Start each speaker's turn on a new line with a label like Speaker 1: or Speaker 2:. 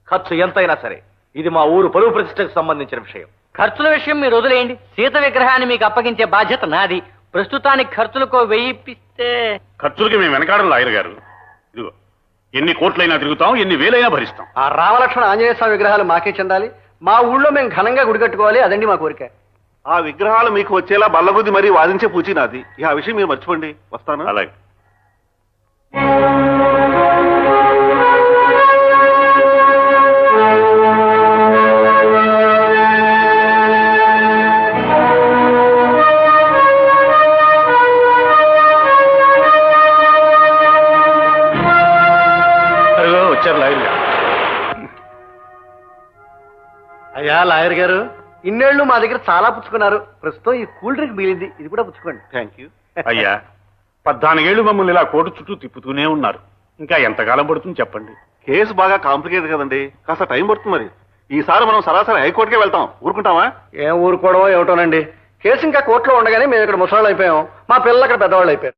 Speaker 1: ఖర్చు ఎంతైనా సరే ఇది మా ఊరు పరువు ప్రతిష్టకు సంబంధించిన విషయం.
Speaker 2: ఖర్చుల విషయం మీరు వదిలేయండి. సీత విగ్రహాన్ని మీకు అప్పగించే బాధ్యత నాది. ప్రస్తుతానికి ఖర్చులకు 1000 ఇప్పిస్తే.
Speaker 3: ఖర్చులకి మేము వెనకాడం లాయర్ గారు. ఇదిగో ఎన్ని కోట్లైనా తిరుగుతాం, ఎన్ని వేలైనా భరిస్తాం.
Speaker 4: ఆ రామలక్ష్మణ ఆంజనేయ స్వామి విగ్రహాలు మాకే చెందాలి. మా ఊళ్ళో మేము ఘనంగా గుడి కట్టుకోవాలి. అదండి మా కోరిక.
Speaker 5: ఆ విగ్రహాలు మీకు వచ్చేలా బల్లబుద్ధి మరీ వాదించే పూచి నాది. ఆ విషయం మీరు మర్చిపోండి. వస్తాను.
Speaker 3: అలాగే. వచ్చారు లాయర్ గారు.
Speaker 4: అయ్యా లాయర్ గారు, ఇన్నేళ్లు మా దగ్గర చాలా పుచ్చుకున్నారు. ప్రస్తుతం ఈ కూల్ డ్రింక్ మిగిలింది, ఇది కూడా పుచ్చుకోండి.
Speaker 5: Thank you.
Speaker 3: అయ్యా 14 ఏళ్లు మమ్మల్ని ఇలా కోర్టు చుట్టూ తిప్పుతూనే ఉన్నారు. ఇంకా ఎంతకాలం పడుతుంది చెప్పండి?
Speaker 5: కేసు బాగా కాంప్లికేటెడ్ కదండి, కాస్త టైం పడుతుంది. మరి ఈసారి మనం సరాసరి హైకోర్టుకే వెళ్తాం. ఊరుకుంటామా?
Speaker 4: ఏం ఊరుకోవడమో ఏమిటోనండి. కేసు ఇంకా కోర్టులో ఉండగానే మేము ఇక్కడ ముసలాళ్ళు అయిపోయాం. మా పిల్లలు అక్కడ పెద్దవాళ్ళు అయిపోయారు.